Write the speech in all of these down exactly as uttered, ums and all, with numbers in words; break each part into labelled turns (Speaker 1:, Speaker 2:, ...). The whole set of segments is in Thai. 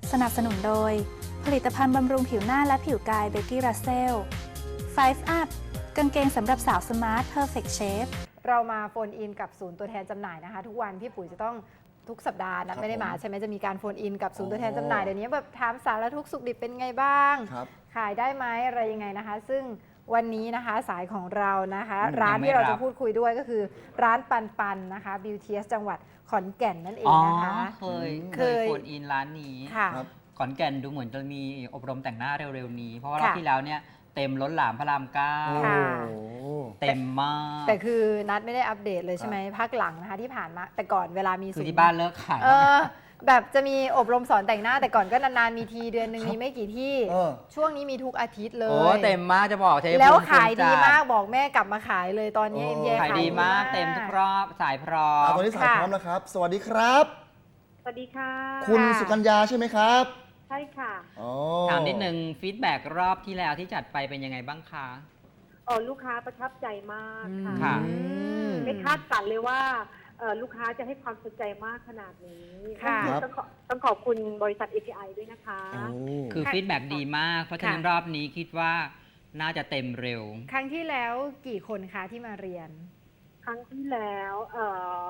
Speaker 1: สนับสนุนโดยผลิตภัณฑ์บำรุงผิวหน้าและผิวกายเบกกี้รัสเซล ไฟว์ อัพ กางเกงสำหรับสาวสมาร์ทเพอร์เฟคเชฟ
Speaker 2: เรามาโฟนอินกับศูนย์ตัวแทนจำหน่ายนะคะทุกวันพี่ปุ๋ยจะต้องทุกสัปดาห์นะไม่ได้มาใช่ไหมจะมีการโฟนอินกับศูนย์ตัวแทนจำหน่ายเดี๋ยวนี้แบบถามสารทุกสุขดิบเป็นไงบ้างขายได้ไหมอะไรยังไงนะคะซึ่งวันนี้นะคะสายของเรานะคะร้านที่เราจะพูดคุยด้วยก็คือร้านปันปันนะคะ Beauteous จังหวัดขอนแก่นนั่นเองนะคะ
Speaker 3: เคยเคยโฟนอินร้านนี้ขอนแก่นดูเหมือนจะมีอบรมแต่งหน้าเร็วๆนี้เพราะว่ารอบที่แล้วเนี่ยเต็มล้นหลามพระรามเก้าเต็มมาก
Speaker 2: แต่คือนัดไม่ได้อัปเดตเลยใช่ไหมพักหลังนะคะที่ผ่านมาแต่ก่อนเวลามี
Speaker 3: คือที่บ้านเลิกขาย
Speaker 2: แบบจะมีอบรมสอนแต่งหน้าแต่ก่อนก็นานๆมีทีเดือนหนึ่งมีไม่กี่ที่ช่วงนี้มีทุกอาทิตย์เลย
Speaker 3: โอ้เต็มมากจะบอกเทป
Speaker 2: แล้วขายดีมากบอกแม่กลับมาขายเลยตอนนี้เอ็มเย
Speaker 3: ขายดีมากเต็มทุกรอบสายพร้อม
Speaker 4: ตอนนี้สายพร้อมแล้วครับสวัสดีครับ
Speaker 5: สวัสดีค่ะ
Speaker 4: คุณสุกัญญาใช่ไหมครับ
Speaker 5: ใช่ค่ะ
Speaker 3: ถามนิดนึงฟีดแบ็กรอบที่แล้วที่จัดไปเป็นยังไงบ้างคะ
Speaker 5: อ๋อลูกค้าประทับใจมากค่ะไม่คาดฝันเลยว่าลูกค้าจะให้ความสนใจมากขนาดนี้ค่ะต้องขอต้องขอบคุณบริษัท เอ พี ไอ ด้วยนะคะ
Speaker 3: คือฟีดแบ็กดีมากเพราะฉะนั้นรอบนี้คิดว่าน่าจะเต็มเร็ว
Speaker 2: ครั้งที่แล้วกี่คนคะที่มาเรียน
Speaker 5: ครั้งที่แล้วเอ่อ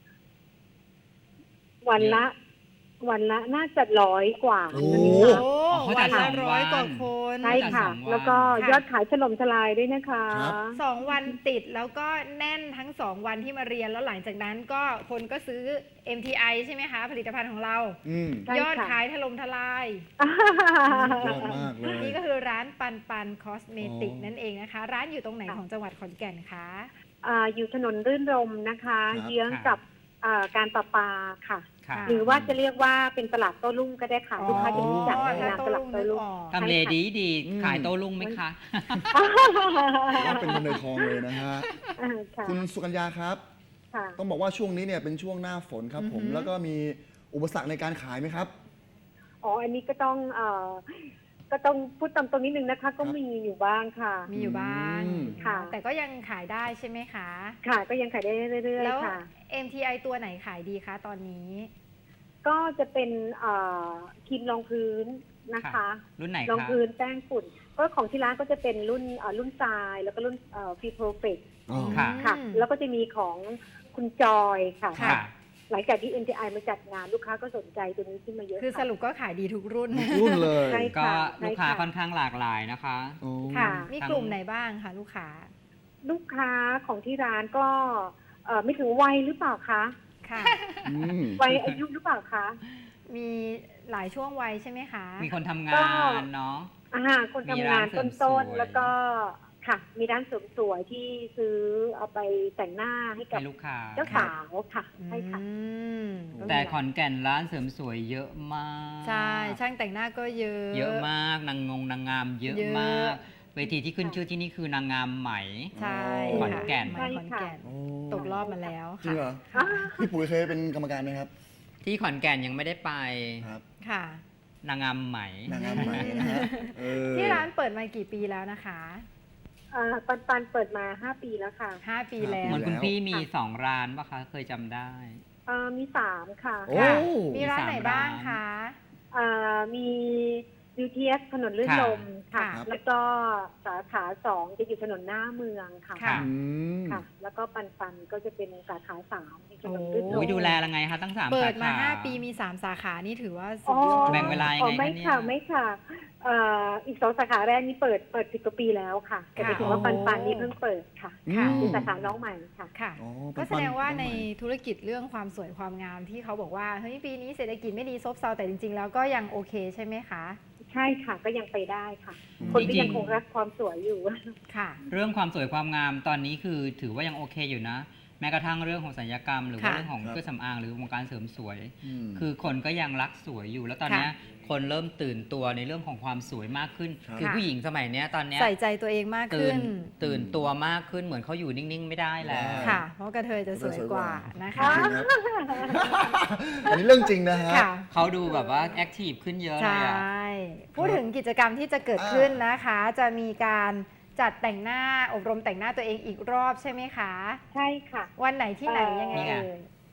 Speaker 5: วันละวันละน่าจะร้อยกว่า
Speaker 2: โอ้วันละร้อยกว่าคน
Speaker 5: ใช่ค่ะแล้วก็ยอดขายถล่มทลายด้วยนะคะ
Speaker 2: สองวันติดแล้วก็แน่นทั้งสองวันที่มาเรียนแล้วหลังจากนั้นก็คนก็ซื้อ เอ็ม ที ไอ ใช่ไหมคะผลิตภัณฑ์ของเรายอดขายถล่มทลาย
Speaker 4: ยอดมากเลย
Speaker 2: นี่ก็คือร้านปันปันคอสเมติกนั่นเองนะคะร้านอยู่ตรงไหนของจังหวัดขอนแก่นคะ
Speaker 5: อยู่ถนนรื่นรมนะคะเยื้องกับการประปาค่ะหรือว่าจะเรียกว่าเป็นตลาดโต้รุ่งก็ได้ค่ะลูกค้าจะรู้จักในนามตลาดโต้รุ่ง
Speaker 3: ทำเลดีดีขายโต้รุ่งไหมคะ
Speaker 4: เป็นคนในทองเลยนะฮะคุณสุกัญญาครับต้องบอกว่าช่วงนี้เนี่ยเป็นช่วงหน้าฝนครับผมแล้วก็มีอุปสรรคในการขายไหมครับ
Speaker 5: อ๋ออันนี้ก็ต้องก็ต้องพูดตามตรงนิดนึงนะคะก็มีอยู่บ้างค่ะ
Speaker 2: มีอยู่บ้างค่ะแต่ก็ยังขายได้ใช่ไหมคะ
Speaker 5: ค่ะก็ยังขายได้เรื่อยๆค่ะ
Speaker 2: เอ็ม ที ไอ ตัวไหนขายดีคะตอนนี้
Speaker 5: ก็จะเป็นครีมรองพื้นนะคะ
Speaker 3: รุ่นไหน
Speaker 5: รองพื้นแป้งฝุ่นก็ของที่ร้านก็จะเป็นรุ่นรุ่นทรายแล้วก็รุ่นฟีโปรเฟกค่ะแล้วก็จะมีของคุณจอยค่ะหลังจากที่ เอ็ม ที ไอ มาจัดงานลูกค้าก็สนใจตัวนี้ขึ้นมาเยอะ
Speaker 2: คือสรุปก็ขายดีทุกรุ่น
Speaker 4: รุ่นเลย
Speaker 3: ก็ลูกค้าค่อนข้างหลากหลายนะคะ
Speaker 2: ค่ะมีกลุ่มไหนบ้างคะลูกค้า
Speaker 5: ลูกค้าของที่ร้านก็ไม่ถึงวัยหรือเปล่าคะ
Speaker 2: ค่ะ
Speaker 5: วัยอายุหรือเปล่าคะ
Speaker 2: มีหลายช่วงวัยใช่ไหมคะ
Speaker 3: มีคนทำงานเนาะ
Speaker 5: อ่าคนทำงานต้นๆแล้วก็ค่ะมีร้านเสริมสวยที่ซื้อเอาไปแต่งหน้าให้กับ
Speaker 3: ลูกค้า
Speaker 5: เจ้าสาวค่ะใช่ค่ะ
Speaker 3: แต่ขอนแก่นร้านเสริมสวยเยอะมาก
Speaker 2: ใช่ช่างแต่งหน้าก็เยอะ
Speaker 3: เยอะมากนางงงนางงามเยอะมากเวทีที่ขึ้นชื่อที่นี่คือนางงามไหม
Speaker 2: ใช่
Speaker 3: ขอนแก่น
Speaker 2: ขอนแก่นตกรอบมาแล้ว
Speaker 4: จริงเหรอพี่ปุ๋ยเคยเป็นกรรมการไหมครับ
Speaker 3: ที่ขอนแก่นยังไม่ได้ไป
Speaker 4: ครับ
Speaker 2: ค่ะ
Speaker 3: นางงามไหม
Speaker 4: นางงามไหมนะฮะ
Speaker 2: ที่ร้านเปิดมากี่ปีแล้วนะคะ
Speaker 5: ปันปันเปิดมาห้าปีแล้วค่ะ
Speaker 2: ห้าปีแล้ว
Speaker 3: เหมือนคุณพี่มีสองร้านป่ะคะเคยจำได้
Speaker 5: มีสามค่ะ
Speaker 2: มีร้านไหนบ้างคะ
Speaker 5: มีBeauteous ถนนลื่นลมค่ะแล้วก็สาขาสองจะอยู่ถนนหน้าเมืองค่ะค่ะแล้วก็ปันปันก็จะเป็นสาขาสามในถนนลื่นลม
Speaker 3: ดูแลยังไงคะตั้งสามสาขา
Speaker 2: เปิดมาห้าปีมีสามสาขานี่ถือว่า
Speaker 3: แบ่งเวลายังไง
Speaker 5: ไม่ค่ะไม่ค่ะอีกสองสาขาแรกนี่เปิดเปิดสิบกว่าปีแล้วค่ะแต่ถือว่าปันปันนี่เพิ่งเปิดค่ะเป็นสาขาน้องใหม่ค่ะ
Speaker 2: ค่ะก็แสดงว่าในธุรกิจเรื่องความสวยความงามที่เขาบอกว่าเฮ้ยปีนี้เศรษฐกิจไม่ดีซบเซาแต่จริงๆแล้วก็ยังโอเคใช่ไหมคะ
Speaker 5: ใช่ค่ะก็ยังไปได้ค่ะคนก็ยังคงรักความสวยอยู่
Speaker 2: ค่ะ
Speaker 3: เรื่องความสวยความงามตอนนี้คือถือว่ายังโอเคอยู่นะแม้กระทั่งเรื่องของศัลยกรรมหรือว่าเรื่องของเครื่องสำอางหรือวงการเสริมสวยคือคนก็ยังรักสวยอยู่แล้วตอนนี้คนเริ่มตื่นตัวในเรื่องของความสวยมากขึ้นคือผู้หญิงสมัยนี้ตอนนี้
Speaker 2: ใส่ใจตัวเองมากขึ้น
Speaker 3: ตื่นตัวมากขึ้นเหมือนเขาอยู่นิ่งๆไม่ได้แล้ว
Speaker 2: ค่ะเพราะกระเทยจะสวยกว่านะคะ
Speaker 4: อันนี้เรื่องจริงนะฮะ
Speaker 3: เขาดูแบบว่าแอคทีฟขึ้นเยอะเลย
Speaker 2: ใช่พูดถึงกิจกรรมที่จะเกิดขึ้นนะคะจะมีการจัดแต่งหน้าอบรมแต่งหน้าตัวเองอีกรอบใช่ไหมคะ
Speaker 5: ใช่ค่ะ
Speaker 2: วันไหนที่ไหนยังไงเอ่ย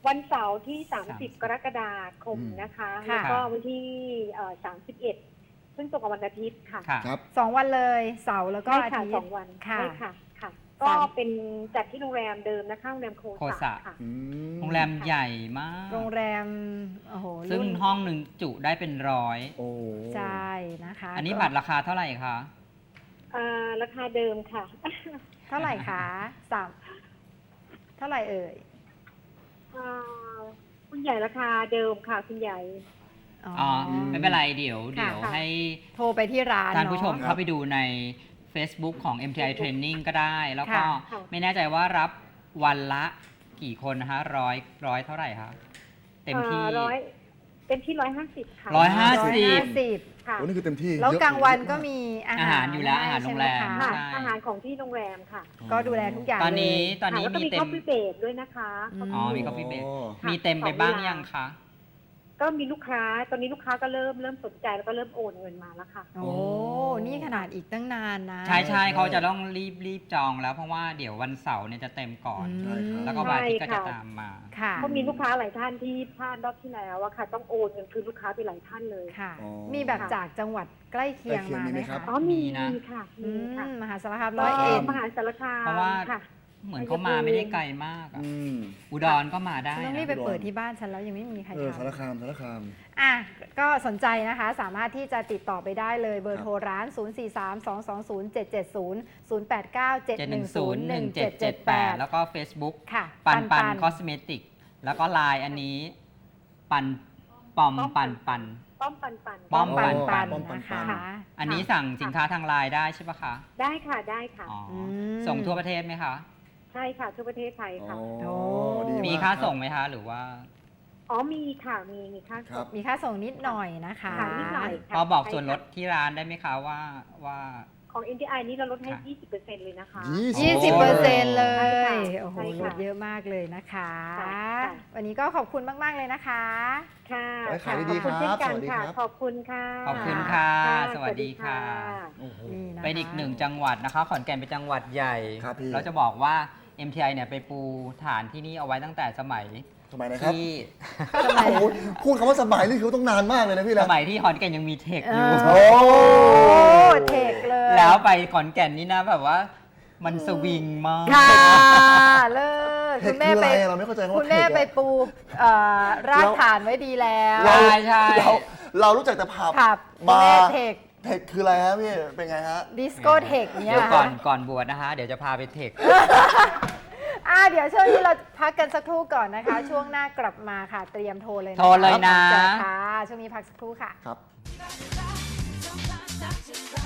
Speaker 5: วันเสาร์ที่ สาม
Speaker 3: สามสิ
Speaker 5: สิ
Speaker 3: บ
Speaker 5: บ กรกฎาคมนะคะ
Speaker 2: ค่ะ
Speaker 5: แล้วก็วันที่เอ่อสามสิบเอ็ดซึ่งตรงกับวันอาทิตย์ค่ะ
Speaker 3: ค่ะ
Speaker 4: ครับ
Speaker 2: สองวันเลยเสาร์แล้วก็
Speaker 5: ใช่
Speaker 2: อา
Speaker 5: ค่ะ
Speaker 2: ทิต
Speaker 5: ส
Speaker 2: ย์
Speaker 5: องวัน
Speaker 2: ค่ะ
Speaker 5: ใช่ค่ะค่ะ ก็
Speaker 2: สาม
Speaker 5: เป็นจัดที่โรงแรมเดิมนะคะโรงแรมโค
Speaker 3: โค
Speaker 5: สะ
Speaker 3: สะ
Speaker 5: ค่ะ
Speaker 4: อืม
Speaker 3: โรงแรมใหญ่มาก
Speaker 2: โรงแรมโอ้โห
Speaker 3: ซึ่ง
Speaker 2: รุ่น
Speaker 3: ห้องหนึ่งจุได้เป็นร้อย
Speaker 4: โอ้
Speaker 2: ใช่นะคะ
Speaker 3: อันนี้
Speaker 2: ก็
Speaker 3: บัตรราคาเท่าไหร่คะ
Speaker 5: อ่าราคาเดิมค่ะ
Speaker 2: เท่าไหร่คะสามเท่าไหร่เอ่ย
Speaker 5: อ่าคุณใหญ่ราคาเดิมค่ะคุณใหญ่
Speaker 2: อ๋อ
Speaker 3: อ๋อ
Speaker 2: อ
Speaker 3: ไม่เป็นไรเดี๋ยว
Speaker 2: ค่ะ
Speaker 3: เดี๋ยวให้
Speaker 2: โทรไปที่ร้าน
Speaker 3: ท่านผู้ชม
Speaker 2: เอะ
Speaker 3: เข้าไปดูใน Facebook ของ เอ็ม ที ไอ Training ก็ได้ แล้วก็
Speaker 5: ค่ะ
Speaker 3: ไม่แน่ใจว่ารับวันละกี่คนนะคะร้อยร้อยเท่าไหร่คะเต็มที่
Speaker 5: อ่าร้อยเต็มที่ร้อยห้าสิบค่ะ
Speaker 3: ร้อยห้า
Speaker 2: ร้อย
Speaker 3: สิบ
Speaker 2: ห้าสิบ
Speaker 5: ค่ะ
Speaker 4: โอ้นี่คือเต็มที่
Speaker 2: แล้ว
Speaker 4: เยอะ
Speaker 2: กลางวันก็
Speaker 4: เยอะ
Speaker 2: มีอา
Speaker 3: อา
Speaker 2: หา
Speaker 3: หาร รอยู่แล้วอาหารโรงแรม
Speaker 2: ใช่ไห
Speaker 5: ค่ะ
Speaker 2: คะ
Speaker 3: ใช่
Speaker 5: อาหารของที่โรงแรมค่ะ
Speaker 2: ก็ดูแลทุกอย่าง
Speaker 3: ตอนนี้
Speaker 2: เลย
Speaker 3: ตอนนี้
Speaker 5: ค่ะแล้วก็
Speaker 3: มี
Speaker 5: มี
Speaker 3: เต็
Speaker 5: คอ
Speaker 3: ม
Speaker 5: ฟฟี่เบรกด้วยนะคะ
Speaker 2: อืม
Speaker 3: อ๋อมี coffee break
Speaker 5: ค่ะ
Speaker 3: มีเต็มไปบ้าง
Speaker 5: สอเวล
Speaker 3: ยังคะ
Speaker 5: ก็มีลูกค้า ตอนนี้ลูกค้าก็เริ่มเริ่มสนใจแล้วก็เริ่มโอนเงินมาแล้วค่ะ
Speaker 2: โอ้นี่ขนาดอีกตั้งนานนะ
Speaker 3: ใช่ใช่
Speaker 4: ใช่
Speaker 3: เขาจะต้องรีบรีบจองแล้วเพราะว่าเดี๋ยววันเสาร์เนี่ยจะเต็มก่อน
Speaker 4: ใช่ครับ
Speaker 3: แล้วก็วันอาทิตย์ก็
Speaker 5: ใช่
Speaker 3: จะ
Speaker 5: ค่ะ
Speaker 3: ตามมา
Speaker 2: ค่ะ
Speaker 5: เพราะมีลูกค้าหลายท่านที่พลาดรอบที่แล้วอะค่ะ ต้องโอนเงินคืนลูกค้าไปหลายท่านเลย
Speaker 2: ค่ะ
Speaker 4: อ๋อ
Speaker 2: มีแบบจากจังหวัดใกล้เคียง
Speaker 4: ใกล้เคียง
Speaker 2: มา
Speaker 4: มี
Speaker 2: ไห
Speaker 4: ไห
Speaker 2: ม
Speaker 4: มครั
Speaker 2: คะ
Speaker 4: บ
Speaker 5: อ๋อมี
Speaker 3: มีนะ
Speaker 5: มีค่ะ
Speaker 2: อื
Speaker 5: มีค่ะ
Speaker 2: มมหาสารคาม
Speaker 5: ก็
Speaker 2: ร้อยเอ็ด
Speaker 5: มหาสารคาม
Speaker 3: เพราะว่า
Speaker 5: ค่ะ
Speaker 3: เหมือนเขามาไม่ได้ไกลมากอะ
Speaker 4: อืม
Speaker 3: อุดรก็มาได้
Speaker 2: ฉันต้อง
Speaker 3: นะ
Speaker 2: รีบไปเปิดที่บ้านฉันแล้วยังไม่มีใคร
Speaker 4: เออ
Speaker 2: ท
Speaker 4: สารคามสารคาม
Speaker 2: ำอ่ะก็สนใจนะคะ สามารถที่จะติดต่อไปได้เลยเบอร์โทรร้าน ศูนย์ สี่ สาม สอง สอง ศูนย์ เจ็ด เจ็ด ศูนย์ ศูนย์ แปด เก้า เจ็ด
Speaker 3: เจ็ด
Speaker 2: ห
Speaker 3: ห
Speaker 2: นึ่
Speaker 3: นึ่
Speaker 2: ง
Speaker 3: ง
Speaker 2: ศู
Speaker 3: ศู
Speaker 2: น
Speaker 3: น
Speaker 2: ย์
Speaker 3: ย์
Speaker 2: ห
Speaker 3: ห
Speaker 2: นึ่
Speaker 3: นึ่
Speaker 2: ง
Speaker 3: ง
Speaker 2: เจ็
Speaker 3: เจ็
Speaker 2: ด
Speaker 3: ด
Speaker 2: เจ็
Speaker 3: เจ็
Speaker 2: ด
Speaker 3: ด
Speaker 2: แป
Speaker 3: แป
Speaker 2: ด
Speaker 3: ดแล้วก็ Facebook
Speaker 2: ค่ะ
Speaker 3: ปันปัน
Speaker 2: ปัน
Speaker 3: คอสเมติกแล้วก็ไลน์อันนี้ ปันปอมปันปัน
Speaker 5: ป้อมปันปัน
Speaker 3: ป้อมปัน
Speaker 2: ปัน
Speaker 4: ป้อมปัน
Speaker 2: นะ
Speaker 4: ปั
Speaker 2: คะ
Speaker 4: น
Speaker 3: อันนี้สั่งสินค้าทางไลน์ได้ใช่ปะคะ
Speaker 5: ได้ค่ะได้ค่ะ
Speaker 3: อ๋ออ
Speaker 2: ม
Speaker 3: ส่งทั่วประเทศไหมคะ
Speaker 5: ใช่ค่ะทั่วประเทศไทยค่ะ
Speaker 4: อ๋อ
Speaker 2: โอ้
Speaker 4: ดี
Speaker 3: มี
Speaker 4: ก
Speaker 3: ค่า
Speaker 4: รับ
Speaker 3: ส่งไหมคะ หรือว่า
Speaker 5: อ๋อมีค่ะมีมีค่า
Speaker 4: ครั
Speaker 5: ส่
Speaker 4: บ
Speaker 5: ง
Speaker 2: มีค่าส่งนิดหน่อยนะคะ
Speaker 5: ค่ะนิดหน่อยค่ะ
Speaker 3: พอบอก
Speaker 5: ใช่
Speaker 3: ส่วนลด
Speaker 5: ค่ะ
Speaker 3: ที่ร้านได้ไหมคะว่าว่า
Speaker 5: ของ เอ็น ที ไอ นี่เราลดให้
Speaker 3: ค่ะ
Speaker 5: ยี่สิบเปอร์เซ็นต์ เลยนะคะ
Speaker 2: ยี่สิบเปอร์เซ็นต์เลย
Speaker 5: ใช่ค่ะ
Speaker 2: โอ้โห
Speaker 5: ใช่
Speaker 2: ล
Speaker 5: ค่ะ
Speaker 2: ดเยอะมากเลยนะคะ
Speaker 5: ค่ะ
Speaker 2: วันนี้ก็ขอบคุณมาก ๆ เลยนะคะ
Speaker 5: ค่ะ
Speaker 4: ไว้ขายดีๆ
Speaker 5: ขอบคุณ
Speaker 4: ครับ
Speaker 5: เช่นกัน
Speaker 4: สวัสดี
Speaker 5: ค่ะ
Speaker 4: ครับ
Speaker 5: ขอบคุณค่ะ
Speaker 3: ขอบคุณค่ะ
Speaker 5: ค่ะ
Speaker 3: สวัสดีค่ะ
Speaker 4: โอ้โห
Speaker 2: นี่นะคะ
Speaker 3: เป็นอีกหนึ่งจังหวัดนะคะ ขอนแก่นเป็นจังหวัดใหญ่
Speaker 4: ครับพี่
Speaker 3: เราจะบอกว่า เอ็ม ที ไอ เนี่ยไปปูฐานที่นี่เอาไว้ตั้งแต่สมัย
Speaker 4: สมัยไหนครับ
Speaker 3: ที่
Speaker 4: โอ้โหพูดคำว่าสมัยนี่คือต้องนานมากเลยนะพี่
Speaker 3: ส
Speaker 4: นะ
Speaker 3: มัยที่ขอนแก่นยังมีเทคอยู่
Speaker 2: เออ
Speaker 4: โอ้
Speaker 2: โอ้เทคเลย
Speaker 3: แล้วไปขอนแก่นนี่นะแบบว่ามันสวิงมาก
Speaker 2: ค่ะเลิศ
Speaker 4: เท
Speaker 2: คุ
Speaker 4: ค
Speaker 2: ณแม่
Speaker 4: คืออะไร
Speaker 2: ไป
Speaker 4: อะเราไม่เข้าใจคำ
Speaker 2: คุ
Speaker 4: ว่า
Speaker 2: ณ
Speaker 4: เท
Speaker 2: แม่
Speaker 4: ค
Speaker 2: ไป
Speaker 4: อะ
Speaker 2: ปูเอ่อรากฐานไว้ดีแล้ว
Speaker 3: ใช่ใช่
Speaker 4: เราเรารู้จักแต่ผับ
Speaker 2: ผับคุณ
Speaker 4: บา
Speaker 2: แม่
Speaker 4: ร์
Speaker 2: เทค
Speaker 4: เทคคืออะไรฮะพี่เป็นไงฮะ
Speaker 2: ดิสโก้เทคเนี่ย
Speaker 3: เดี๋ยวก่อนก่อนบวชนะคะ เดี๋ยวจะพาไปเทค
Speaker 2: อ่าเดี๋ยวช่วงนี้เราพักกันสักครู่ก่อนนะคะ ช่วงหน้ากลับมาค่ะ เตรียมโทรเลยนะ
Speaker 3: โทรเลยนะ
Speaker 2: เจอค่ะ ช่วงนี้พักสักครู่ค่ะ
Speaker 4: ครับ